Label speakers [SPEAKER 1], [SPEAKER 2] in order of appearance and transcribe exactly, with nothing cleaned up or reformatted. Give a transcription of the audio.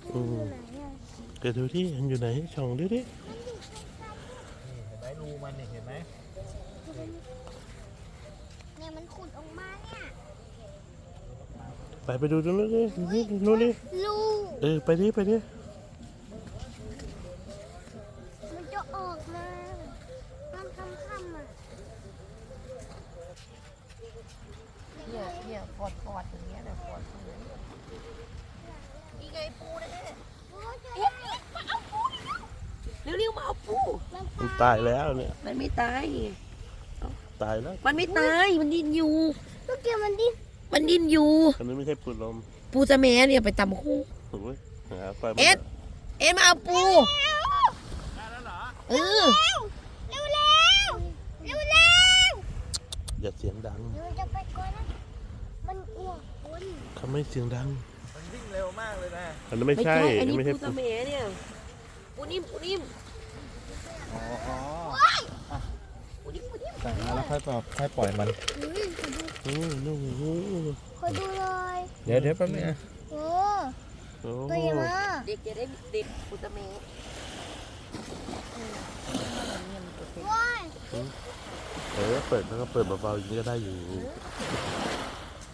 [SPEAKER 1] อืมเกิดดูที่มันอยู่ไหนช่องดูดิ
[SPEAKER 2] เห็นไหมรูมันนี่เห็นไหม
[SPEAKER 3] เนี่ยมันขุดออกมาเนี่ย
[SPEAKER 1] ไปไปดูตรงนู้นดินู้นดิ
[SPEAKER 3] รู
[SPEAKER 1] เออไปดิไปดิ
[SPEAKER 3] มันจะออกมาตอนค่ำๆอ่ะ
[SPEAKER 4] เนี่ยเนี่ยฟอดฟอดอย่างเงี้ยนะฟอดตรงนี้นี่ไงปูนะเนี่ย
[SPEAKER 3] โอ้ยเจอ
[SPEAKER 4] เอ๊ะมาเอาปูเร็วๆมาเอาปู
[SPEAKER 3] แล้ว
[SPEAKER 1] มันตายแล้วเนี่ย
[SPEAKER 4] มันไม่ตาย
[SPEAKER 1] ตายแล้ว
[SPEAKER 4] มันไม่ตาย มันดิ้นอยู่
[SPEAKER 3] ลูกเกมมันดิ
[SPEAKER 4] มันดิ้นอยู่
[SPEAKER 1] อันนี้ไม่ใช่ปูลม
[SPEAKER 4] ปูจะแม่เนี่ยไปตำคู่
[SPEAKER 1] โอ้ยหาไฟมา
[SPEAKER 4] เอ็ด เอ็ดมาเอาปู
[SPEAKER 2] ได้แล้วเหรอ
[SPEAKER 4] เออ
[SPEAKER 3] เร็วเร็วเร็วเร็ว
[SPEAKER 1] อย่าเสียงดัง
[SPEAKER 3] เดี๋ยวจะไปก่อนนะมันอ้วกคน
[SPEAKER 1] เขาไม่เสียงดัง
[SPEAKER 2] มันวิ่งเร็วมากเลยนะ
[SPEAKER 1] อันนั้นไม่ใช่
[SPEAKER 4] อันนี้
[SPEAKER 1] ไม่ใช่
[SPEAKER 4] ปูจะแม่เนี่ย ปูนิ่มปูนิ่ม
[SPEAKER 2] อ๋ออ๋อ
[SPEAKER 4] ปูนิ่มปูนิ่ม
[SPEAKER 2] แต่มาแล้วค่อยปล่อยค่อยปล่อยมัน
[SPEAKER 3] อุ้ยขอดู
[SPEAKER 1] โอ้โหนู่นโอ้โห
[SPEAKER 3] ขอดูเลย
[SPEAKER 2] เดี๋ยวเดี๋ยวแป๊บนึงนะ
[SPEAKER 3] โอ้
[SPEAKER 1] โอ้
[SPEAKER 3] ตัวใหญ่มาก
[SPEAKER 4] เด็กจะได้ติดปูจะแม่
[SPEAKER 3] ว้าย
[SPEAKER 1] เออเปิดแล้วก็เปิดเบาๆอย่างนี้ก็ได้อยู่
[SPEAKER 3] เ